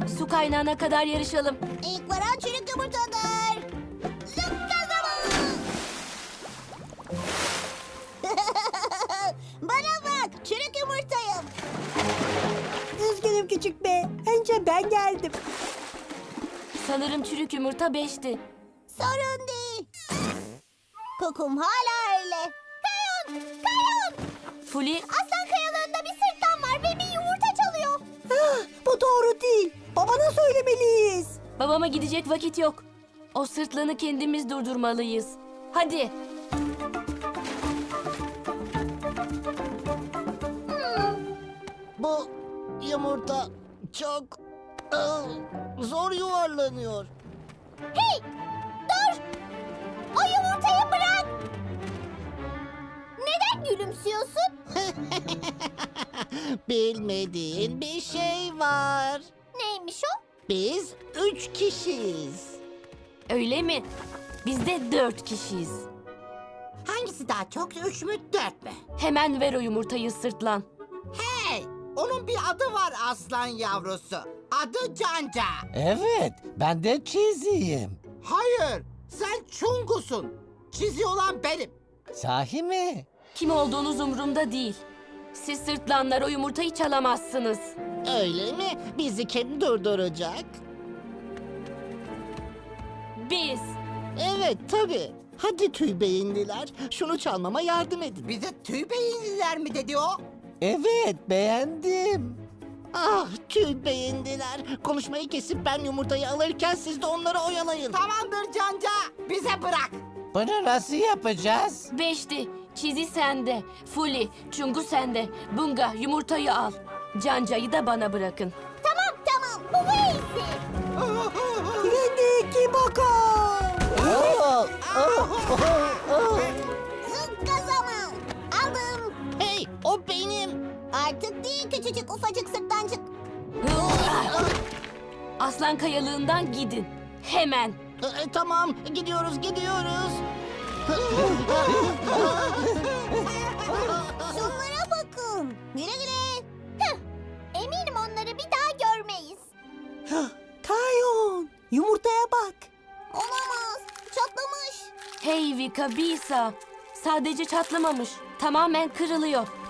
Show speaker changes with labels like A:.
A: Su kaynağına kadar yarışalım.
B: İlk varan çürük yumurtadır. Zıpla zamanı. Bana bak, çürük yumurtayım.
C: Üzgünüm küçük bey. Önce ben geldim.
A: Sanırım çürük yumurta 5'ti.
B: Sorun değil. Kokum hala öyle. Kayon, Kayon.
A: Fuli,
B: Aslan kayalığında bir sırtlan var ve bir yumurta çalıyor.
C: Ah, bu doğru değil. Babana söylemeliyiz.
A: babama gidecek vakit yok. O sırtlanı kendimiz durdurmalıyız. Hadi.
D: Bu yumurta çok zor yuvarlanıyor.
B: Hey, dur. O yumurtayı bırak. Neden gülümsüyorsun?
D: Bilmediğin bir şey var.
B: Neymiş o?
D: Biz 3 kişiyiz.
A: Öyle mi? Biz de 4 kişiyiz.
E: Hangisi daha çok, 3 mü 4 mü?
A: Hemen ver o yumurtayı sırtlan.
E: Hey! Onun bir adı var aslan yavrusu. Adı Canca.
F: Evet, ben de çiziyim.
E: Hayır, sen Çungusun. Çizi olan benim.
F: Sahi mi?
A: Kim olduğunuz umurumda değil. Siz sırtlanlar o yumurtayı çalamazsınız.
D: Öyle mi? Bizi kim durduracak?
A: Biz.
D: Evet tabii. Hadi tüy beyinliler, şunu çalmama yardım edin.
E: Bize tüy beyinliler mi dedi o?
F: Evet, beğendim.
D: Ah tüy beyinliler. Konuşmayı kesip ben yumurtayı alırken siz de onları oyalayın.
E: Tamamdır Canca, bize bırak.
F: Bunu nasıl yapacağız?
A: 5'ti. Çizi sende. Fuli, Çungu sende. Bunga yumurtayı al. Canca'yı da bana bırakın.
B: Tamam, bu iyisi.
C: Trendeki bakın.
B: Zıpla zaman. Aldım.
D: Hey o benim.
B: Artık değil küçücük ufacık sırtlancık.
A: Aslan kayalığından gidin. Hemen.
D: Tamam gidiyoruz.
B: Şunlara bakın. Güle güle. Eminim onları bir daha görmeyiz.
C: Kayon, yumurtaya bak.
B: Olamaz. Çatlamış.
A: Hey Vika, Bisa. Sadece çatlamamış. Tamamen kırılıyor.